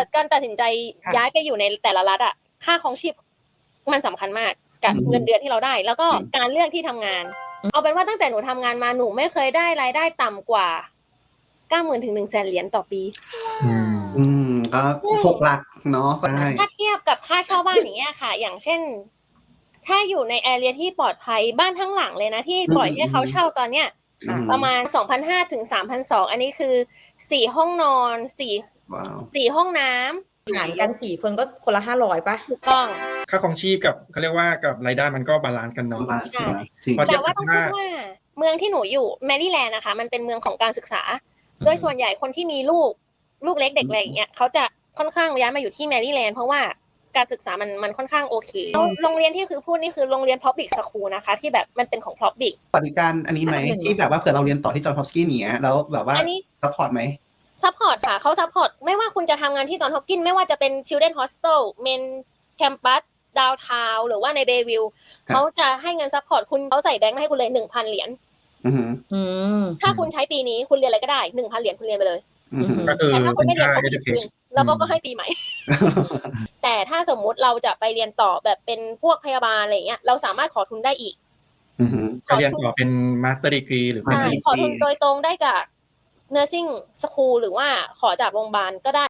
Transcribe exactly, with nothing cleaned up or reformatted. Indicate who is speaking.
Speaker 1: การตัดสินใจย้ายไปอยู่ในแต่ละรัฐอ่ะค่าของชีพมันสำคัญมากกับเงินเดือนที่เราได้แล้วก็การเลือกที่ทำงานเอาเป็นว่าตั้งแต่หนูทำงานมาหนูไม่เคยได้รายได้ต่ำกว่าเก้าหมื่นถึงหนึ่งแสนเหรียญต่อปี
Speaker 2: อืมก็หกหลักเนาะ
Speaker 1: ถ้าเทียบกับค่าเช่าบ้านอย่างเงี้ยค่ะอย่างเช่นถ้าอยู่ในแอเรียที่ปลอดภัยบ้านทั้งหลังเลยนะที่ปล่อยให้เขาเช่าตอนเนี้ยประมาณ สองพันห้าร้อย ถึง สามพันสองร้อย อันนี้คือสี่ห้องนอนสี่สี่ห้องน้ำ
Speaker 3: หารกันสี่คนก็คนละห้าร้อยป่ะ
Speaker 1: ถูกต้อง
Speaker 4: ค่าครองชีพกับเขาเรียกว่ากับรายได้มันก็บาลานซ์กันเนาะ
Speaker 1: ใช่แต่ว่าต้องพูดว่าเมืองที่หนูอยู่แมรี่แลนด์นะคะมันเป็นเมืองของการศึกษาโดยส่วนใหญ่คนที่มีลูกลูกเล็กเด็กอะไรอย่างเงี้ยเขาจะค่อนข้างย้ายมาอยู่ที่แมรี่แลนด์เพราะว่าการศึกษามันมันค่อนข้างโอเคโรงเรียนที่คือพูดนี่คือโรงเรียน public school นะคะที่แบบมันเป็นของ public
Speaker 2: ปฏิการอันนี้ไหมที่แบบว่าเผื่อเราเรียนต่อที่จอห์นฮอปกินส์เนี้ยแล้วแบบว่าซัพพอร์ตไหม
Speaker 1: ซัพพอร์ตค่ะเขาซัพพอร์ตไม่ว่าคุณจะทำงานที่จอห์นฮอปกินส์ไม่ว่าจะเป็น Children Hospital Main Campus Downtown หรือว่าในเบย์วิลล์เขาจะให้เงินซัพพอร์ตคุณเขาใส่แบงค์มาให้คุณเลย หนึ่งพัน เหรียญถ้าคุณใช้ปีนี้คุณเรียนอะไรก็ได้ หนึ่งพัน เหรียญคุณเรียนไปเลย
Speaker 4: ก็คือ
Speaker 1: แต่ถ้าคุณไม่เรียนเขาไม่คืนแล้วก็ให้ปีใหม่ แต่ถ้าสมมุติเราจะไปเรียนต่อแบบเป็นพวกพยาบาลอะไรเงี้ยเราสามารถขอทุนได้อีก
Speaker 4: ก็เรียนต่อเป็น Master Degree หรือ
Speaker 1: ใช่ขอทุนโดยตรงได้จาก Nursing School หรือว่าขอจากโรงพยาบาลก็ได้